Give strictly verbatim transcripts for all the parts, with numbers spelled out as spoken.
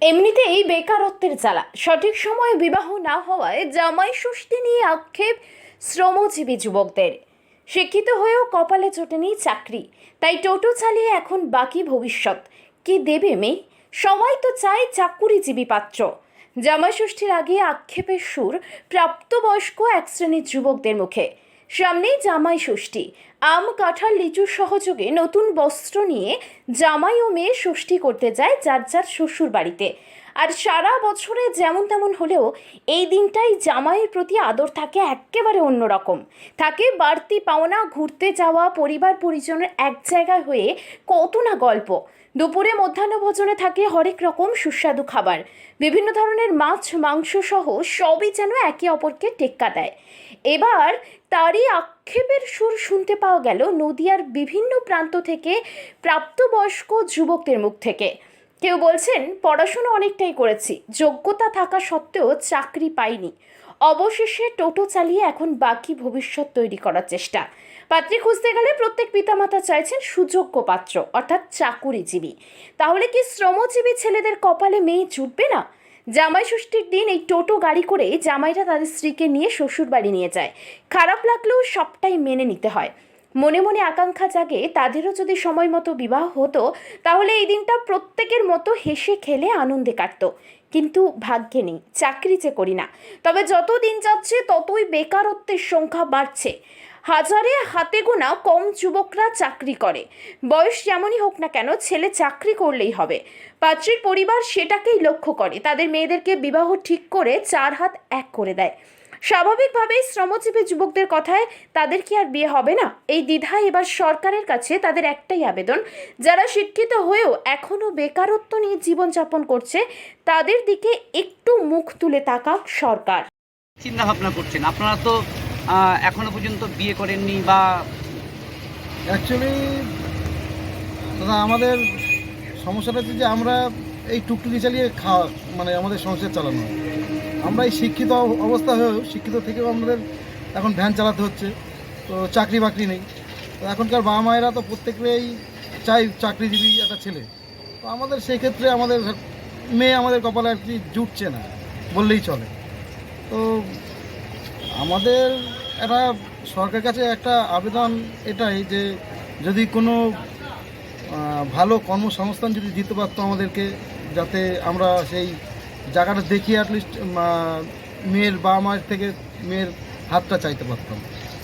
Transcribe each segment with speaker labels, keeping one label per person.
Speaker 1: এমনিতেই বেকারত্বের জ্বালা, সঠিক সময়ে বিবাহ না হওয়ায় জামাই ষষ্ঠী নিয়ে আক্ষেপ শ্রমজীবী যুবকদের। শিক্ষিত হয়েও কপালে জোটেনি চাকরি, তাই টোটো চালিয়ে এখন বাকি ভবিষ্যৎ। কি দেবে মেয়ে? সবাই তো চায় চাকুরিজীবী পাত্র। জামাই ষষ্ঠীর আগে আক্ষেপের সুর প্রাপ্তবয়স্ক এক শ্রেণীর যুবকদের মুখে। সামনেই জামাই ষষ্ঠী, আম কাঁঠাল লিচুর সহযোগে নতুন বস্ত্র নিয়ে জামাই ও মেয়ে ষষ্ঠী করতে যায় যার যার শ্বশুর বাড়িতে। আর সারা বছরে যেমন তেমন হলেও এই দিনটাই জামাইয়ের প্রতি আদর থাকে একেবারে অন্যরকম। থাকে বাড়তি পাওনা, ঘুরতে যাওয়া, পরিবার পরিজনের এক জায়গায় হয়ে কত না গল্প। দুপুরে মধ্যাহ্ন ভোজনে থাকে হরেক রকম সুস্বাদু খাবার, বিভিন্ন ধরনের মাছ মাংস সহ সবই যেন একে অপরকে টেক্কা দেয়। এবার তারই আক্ষেপের সুর শুনতে পাওয়া গেল নদিয়ার বিভিন্ন প্রান্ত থেকে প্রাপ্তবয়স্ক যুবকদের মুখ থেকে। কেউ বলছেন, পড়াশোনা অনেকটাই করেছি, যোগ্যতা থাকা সত্ত্বেও চাকরি পাইনি, অবশেষে টোটো চালিয়ে এখন বাকি ভবিষ্যৎ তৈরি করার চেষ্টা। পাত্রী খুঁজতে গেলে প্রত্যেক পিতামাতা চাইছেন সুযোগ্য পাত্র, অর্থাৎ চাকুরিজীবী। তাহলে কি শ্রমজীবী ছেলেদের কপালে মেয়ে জুটবে না? জামাই ষষ্ঠীর দিন এই টোটো গাড়ি করে জামাইরা তাদের স্ত্রীকে নিয়ে শ্বশুর বাড়ি নিয়ে যায়। খারাপ লাগলেও সবটাই মেনে নিতে হয়। মনে মনে আকাঙ্ক্ষা জাগে তাদেরও যদি সময় মতো বিবাহ হতো, তাহলে এই দিনটা প্রত্যেকের মতো হেসে খেলে আনন্দে কাটতো। কিন্তু ভাগ্যে নেই, চাকরি যে করি না। তবে যত দিন যাচ্ছে ততই বেকারত্বের সংখ্যা বাড়ছে। হাজারে হাতে গোনা কম যুবকরা চাকরি করে। বয়স যেমনই হোক না কেন, ছেলে চাকরি করলেই হবে। পাত্রীর পরিবার সেটাকেই লক্ষ্য করে, তাদের মেয়েদেরকে বিবাহ ঠিক করে চার হাত এক করে দেয়। স্বাভাবিকভাবেই শ্রমজীবী যুবকদের কথায় তাদের কি আর বিয়ে হবে না? এই দ্বিধায় এবার সরকারের কাছে তাদের একটাই আবেদন, যারা শিক্ষিত হয়েও এখনও বেকারত্ব নিয়ে জীবনযাপন করছে তাদের দিকে একটু মুখ তুলে তাকাক সরকার।
Speaker 2: চিন্তা ভাবনা করছেন আপনারা তো এখনো পর্যন্ত বিয়ে করেননি বা
Speaker 3: অ্যাকচুয়ালি দাদা আমাদের সমস্যাটা হচ্ছে যে আমরা এই টুকটুকি চালিয়ে খাওয়া মানে আমাদের সংসার চালানো হয়। আমরা এই শিক্ষিত অবস্থা হয়েও শিক্ষিত থেকেও আমাদের এখন ভ্যান চালাতে হচ্ছে, তো চাকরি বাকরি নেই। তো এখনকার বাবা মায়েরা তো প্রত্যেকেই চাই চাকরিজীবী একটা ছেলে। তো আমাদের সেই ক্ষেত্রে আমাদের মেয়ে আমাদের কপালে আর কি জুটছে না বললেই চলে। তো আমাদের একটা সরকারের কাছে একটা আবেদন এটাই যে যদি কোনো ভালো কর্মসংস্থান যদি দিতে পারতো আমাদেরকে, যাতে আমরা সেই জায়গাটা দেখিয়ে অ্যাটলিস্ট মেয়ের বাবা মায়ের থেকে মেয়ের হাতটা চাইতে পারতাম।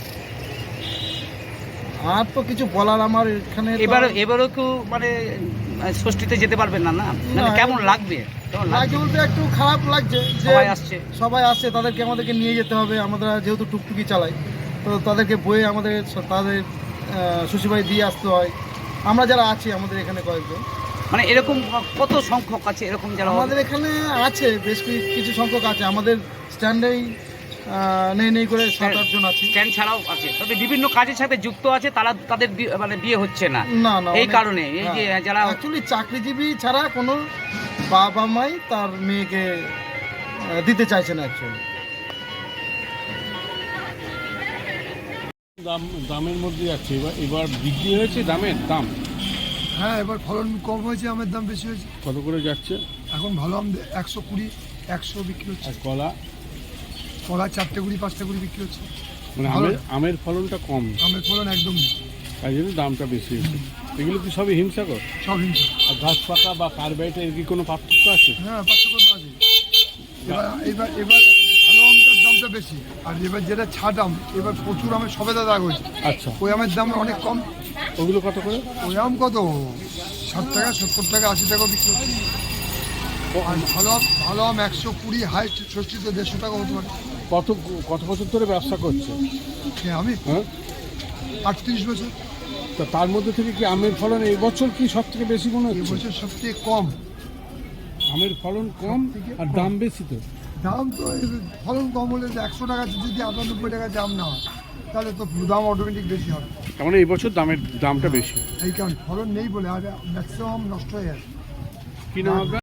Speaker 3: আর তো কিছু বলার আমার এখানে
Speaker 2: এবার এবারও কেউ মানে ষষ্ঠীতে যেতে পারবেন না? না কেমন লাগবে?
Speaker 3: লাগছে বলতে একটু খারাপ লাগছে যে
Speaker 2: সবাই আসছে
Speaker 3: সবাই আসছে তাদেরকে আমাদেরকে নিয়ে যেতে হবে। আমরা যেহেতু টুকটুকি চালাই, তো তাদেরকে বয়ে আমাদের তাদের শ্বশুরবাড়ি দিয়ে আসতে হয়। আমরা যারা আছি আমাদের এখানে কয়েকজন,
Speaker 2: মানে এরকম কত সংখ্যক আছে এরকম যারা
Speaker 3: আমাদের এখানে আছে, বেশ কিছু সংখ্যক আছে। আমাদের স্ট্যান্ডেই নেই নেই করে সাত আটজন আছে।
Speaker 2: স্ট্যান্ড ছাড়াও আছে, তবে বিভিন্ন কাজের সাথে যুক্ত আছে, তারা তাদের মানে বিয়ে হচ্ছে না
Speaker 3: না না
Speaker 2: এই কারণে। এই যে যারা
Speaker 3: অ্যাকচুয়ালি চাকরিজীবী ছাড়া কোনো বাবা মাই তার মেয়েকে দিতে চাইছে না অ্যাকচুয়ালি।
Speaker 4: দাম দামের মধ্যে যাচ্ছে, এবার এবার বৃদ্ধি হয়েছে দামের দাম।
Speaker 5: হ্যাঁ, এবার ফলন কম হয়েছে, আমের দাম বেশি হয়েছে।
Speaker 4: কত করে যাচ্ছে
Speaker 5: এখন ভালো আম একশো কুড়ি একশো বিক্রি হচ্ছে।
Speaker 4: আর কলা?
Speaker 5: কলা চারটে কুড়ি পাঁচটা কুড়ি বিক্রি হচ্ছে।
Speaker 4: মানে আমের আমের ফলনটা কম,
Speaker 5: আমের ফলন একদম নেই,
Speaker 4: তাই জন্য দামটা বেশি হয়েছে। এগুলো কি সবই হিংসাকর?
Speaker 5: সব হিংসা।
Speaker 4: আর গাছ পাকা বা কার্বাইটের এর কি কোনো পার্থক্য আছে?
Speaker 5: হ্যাঁ, পার্থক্য তো আছে। এবার এবার এবার ভালো আমটার দামটা বেশি, আর এবার যেটা ছাট আম, এবার প্রচুর আমের সবেদা দাগ হয়েছে।
Speaker 4: আচ্ছা,
Speaker 5: ওই আমের দাম অনেক কম।
Speaker 4: ওগুলো কত করে?
Speaker 5: ওই আম কত ষাট টাকা সত্তর টাকা আশি টাকা বিক্রি হচ্ছে। আর ভালো আম ভালো আম একশো কুড়ি হাইট ষষ্ঠীতে দেড়শো টাকা হতে পারে।
Speaker 4: কত কত বছর ধরে ব্যবসা করছে?
Speaker 5: হ্যাঁ, আমি
Speaker 4: হ্যাঁ
Speaker 5: আটত্রিশ বছর।
Speaker 4: তো তার মধ্যে থেকে কি আমের ফলন এই বছর কি সব থেকে বেশি মনে হচ্ছে?
Speaker 5: এবছর সবথেকে কম
Speaker 4: আমের ফলন কম আর দাম বেশি। তো
Speaker 5: দাম তো ফলন কম হলে একশো টাকা যদি আটানব্বই টাকা দাম না হয়, তাহলে তো দাম অটোমেটিক বেশি হবে।
Speaker 4: তার মানে এই বছর দামের দামটা বেশি,
Speaker 5: এই কারণে ফলন নেই বলে, আর ম্যাক্সিমাম নষ্ট হয়ে যাবে।
Speaker 4: কি নাম আপনার?